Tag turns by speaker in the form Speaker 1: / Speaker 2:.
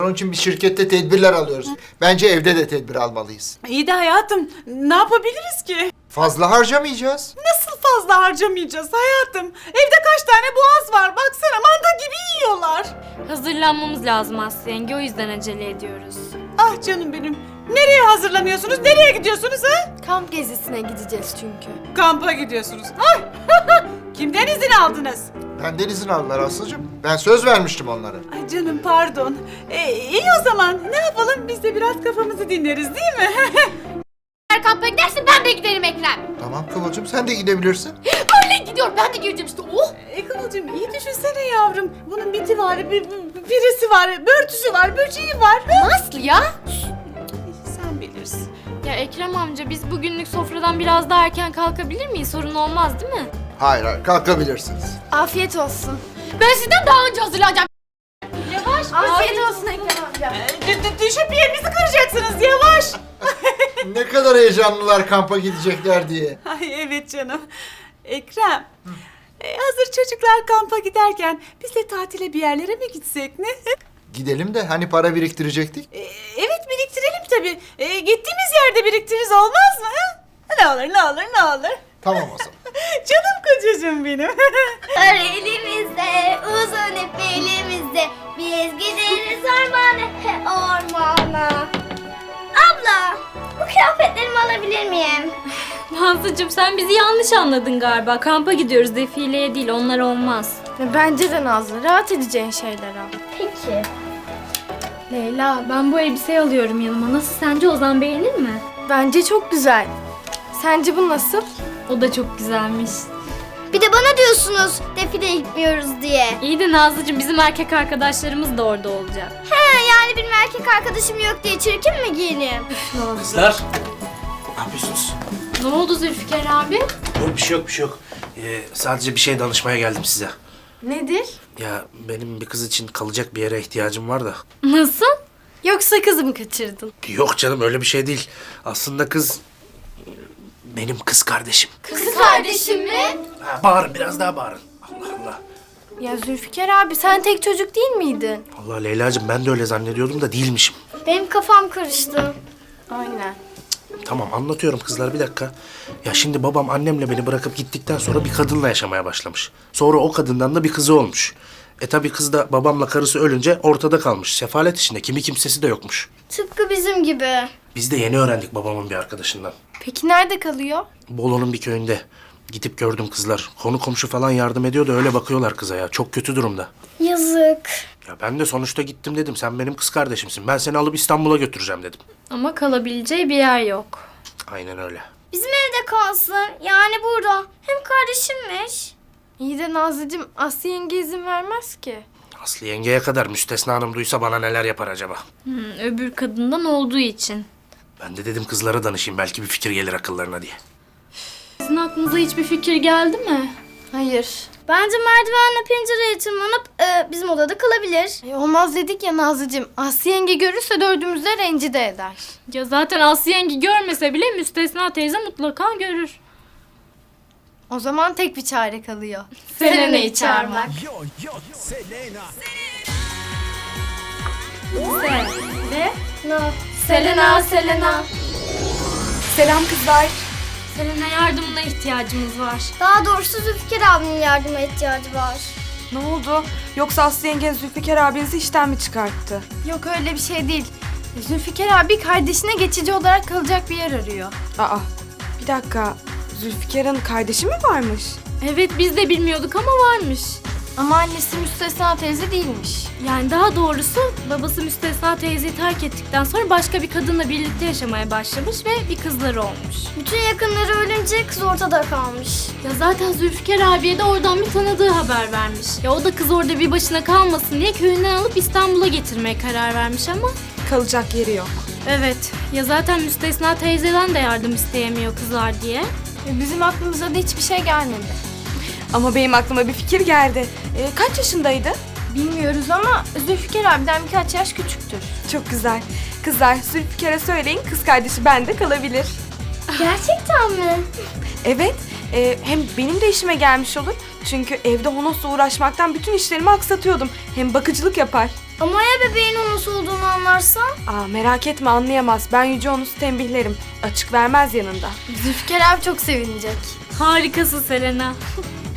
Speaker 1: Onun için bir şirkette tedbirler alıyoruz. Bence evde de tedbir almalıyız.
Speaker 2: İyi de hayatım, ne yapabiliriz ki?
Speaker 1: Fazla harcamayacağız.
Speaker 2: Nasıl fazla harcamayacağız hayatım? Evde kaç tane boğaz var, baksana manda gibi yiyorlar.
Speaker 3: Hazırlanmamız lazım Aslı yenge, o yüzden acele ediyoruz.
Speaker 2: Ah canım benim, nereye hazırlanıyorsunuz, nereye gidiyorsunuz ha?
Speaker 4: Kamp gezisine gideceğiz çünkü.
Speaker 2: Kampa gidiyorsunuz. Ay! Kimden izin aldınız?
Speaker 1: Benden izin aldılar Aslı'cığım. Ben söz vermiştim onlara.
Speaker 2: Ay canım pardon. İyi o zaman, ne yapalım, biz de biraz kafamızı dinleriz değil mi?
Speaker 4: Eğer kampa gidersin ben de giderim Ekrem.
Speaker 1: Tamam Kıvılcım, sen de gidebilirsin.
Speaker 4: Öyle gidiyor ben de gireceğim işte. Oh!
Speaker 2: Kıvılcım iyi düşünsene yavrum. Bunun biti var, birisi var, börtüsü var, böceği var.
Speaker 4: Aslı ya.
Speaker 2: Sen bilirsin.
Speaker 3: Ya Ekrem amca, biz bugünlük sofradan biraz daha erken kalkabilir miyiz? Sorun olmaz değil mi?
Speaker 1: Hayır hayır, kalkabilirsiniz.
Speaker 4: Afiyet olsun. Ben sizden daha önce hazırlanacağım. Yavaş. Afiyet olsun Ekrem amca.
Speaker 2: Düşüp yerinizi kıracaksınız, yavaş.
Speaker 1: Ne kadar heyecanlılar kampa gidecekler diye.
Speaker 2: Ay evet canım. Ekrem, hazır çocuklar kampa giderken biz de tatile bir yerlere mi gitsek ne?
Speaker 1: Gidelim de hani para biriktirecektik.
Speaker 2: Evet biriktirelim tabii. Gittiğimiz yerde biriktiririz olmaz mı? Ha? Ne olur ne olur ne olur.
Speaker 1: Tamam o zaman.
Speaker 2: Canım kocacığım benim.
Speaker 5: Her elimizde, uzun ip elimizde, biz gideriz ormana. Abla, bu kıyafetlerimi alabilir miyim?
Speaker 3: Nazlıcığım, sen bizi yanlış anladın galiba. Kampa gidiyoruz, defileye değil, onlar olmaz.
Speaker 4: Bence de Nazlı rahat edeceğin şeyler al.
Speaker 5: Peki.
Speaker 3: Leyla, ben bu elbiseyi alıyorum yanıma. Nasıl, sence Ozan beğenir mi?
Speaker 4: Bence çok güzel. Sence bu nasıl?
Speaker 3: O da çok güzelmiş.
Speaker 5: Bir de bana diyorsunuz defileye gitmiyoruz diye.
Speaker 3: İyi de Nazlıcığım, bizim erkek arkadaşlarımız da orada olacak.
Speaker 5: He, yani benim erkek arkadaşım yok diye çirkin mi giyineyim?
Speaker 6: Kızlar, ne yapıyorsunuz?
Speaker 3: Ne oldu Zülfikar abi?
Speaker 6: Yok bir şey yok, bir şey yok. Sadece bir şey danışmaya geldim size.
Speaker 4: Nedir?
Speaker 6: Ya benim bir kız için kalacak bir yere ihtiyacım var da.
Speaker 3: Nasıl?
Speaker 4: Yoksa kızı mı kaçırdın?
Speaker 6: Yok canım, öyle bir şey değil. Aslında kız benim kız kardeşim.
Speaker 4: Kız kardeşim mi?
Speaker 6: Ha, bağırın, biraz daha bağırın. Allah Allah.
Speaker 4: Ya Zülfikar abi sen tek çocuk değil miydin?
Speaker 6: Allah Leyla'cığım, ben de öyle zannediyordum da değilmişim.
Speaker 5: Benim kafam karıştı.
Speaker 4: Aynen.
Speaker 6: Tamam, anlatıyorum kızlar, bir dakika. Ya şimdi babam annemle beni bırakıp gittikten sonra bir kadınla yaşamaya başlamış. Sonra o kadından da bir kızı olmuş. Tabii kız da babamla karısı ölünce ortada kalmış. Sefalet içinde, kimi kimsesi de yokmuş.
Speaker 5: Tıpkı bizim gibi.
Speaker 6: Biz de yeni öğrendik babamın bir arkadaşından.
Speaker 4: Peki nerede kalıyor?
Speaker 6: Bolu'nun bir köyünde. Gidip gördüm kızlar. Konu komşu falan yardım ediyor da öyle bakıyorlar kıza ya. Çok kötü durumda.
Speaker 5: Yazık.
Speaker 6: Ya ben de sonuçta gittim dedim. Sen benim kız kardeşimsin. Ben seni alıp İstanbul'a götüreceğim dedim.
Speaker 3: Ama kalabileceği bir yer yok.
Speaker 6: Aynen öyle.
Speaker 5: Bizim evde kalsın. Yani burada. Hem kardeşimmiş.
Speaker 4: İyi de Nazlıcığım Aslı yenge izin vermez ki.
Speaker 6: Aslı yengeye kadar Müstesna Hanım duysa bana neler yapar acaba?
Speaker 3: Öbür kadından olduğu için.
Speaker 6: Ben de dedim kızlara danışayım. Belki bir fikir gelir akıllarına diye.
Speaker 3: Sizin aklınıza hiçbir fikir geldi mi?
Speaker 4: Hayır.
Speaker 5: Bence merdivenle pencereye tırmanıp bizim odada kalabilir.
Speaker 4: Olmaz dedik ya Nazlıcığım. Aslı yenge görürse dördümüzü de rencide eder.
Speaker 3: Ya zaten Aslı yenge görmese bile Müstesna teyze mutlaka görür.
Speaker 4: O zaman tek bir çare kalıyor.
Speaker 3: Selena'yı çağırmak.
Speaker 5: No.
Speaker 3: Selena, Selena.
Speaker 4: Selam kızlar.
Speaker 3: Selena, yardımına ihtiyacımız var.
Speaker 5: Daha doğrusu Zülfikar abinin yardıma ihtiyacı var.
Speaker 7: Ne oldu? Yoksa Aslı yengen Zülfikar abinizi işten mi çıkarttı?
Speaker 4: Yok öyle bir şey değil. Zülfikar abi kardeşine geçici olarak kalacak bir yer arıyor.
Speaker 7: Aa, bir dakika. Zülfikar'ın kardeşi mi varmış?
Speaker 3: Evet, biz de bilmiyorduk ama varmış.
Speaker 4: Ama annesi Müstesna teyze değilmiş.
Speaker 3: Yani daha doğrusu babası Müstesna teyzeyi terk ettikten sonra başka bir kadınla birlikte yaşamaya başlamış ve bir kızları olmuş.
Speaker 5: Bütün yakınları ölünce kız ortada kalmış.
Speaker 3: Ya zaten Zülfikar abiye de oradan bir tanıdığı haber vermiş. Ya o da kız orada bir başına kalmasın diye köyünden alıp İstanbul'a getirmeye karar vermiş ama...
Speaker 7: Kalacak yeri yok.
Speaker 3: Evet, ya zaten Müstesna teyzeden de yardım isteyemiyor kızlar diye.
Speaker 4: Bizim aklımıza da hiçbir şey gelmedi.
Speaker 7: Ama benim aklıma bir fikir geldi. Kaç yaşındaydı?
Speaker 4: Bilmiyoruz ama Zülfikar abiden birkaç yaş küçüktür.
Speaker 7: Çok güzel. Kızlar Zülfikar'a söyleyin, kız kardeşi bende kalabilir.
Speaker 5: Gerçekten mi?
Speaker 7: Evet, hem benim de işime gelmiş olur. Çünkü evde Honos'la uğraşmaktan bütün işlerimi aksatıyordum. Hem bakıcılık yapar.
Speaker 5: Ama ya bebeğin onun olduğunu anlarsa?
Speaker 7: Aa, merak etme anlayamaz. Ben Yüce Onus'u tembihlerim. Açık vermez yanında.
Speaker 4: Zülfikar abi çok sevinecek.
Speaker 3: Harikasın Selena.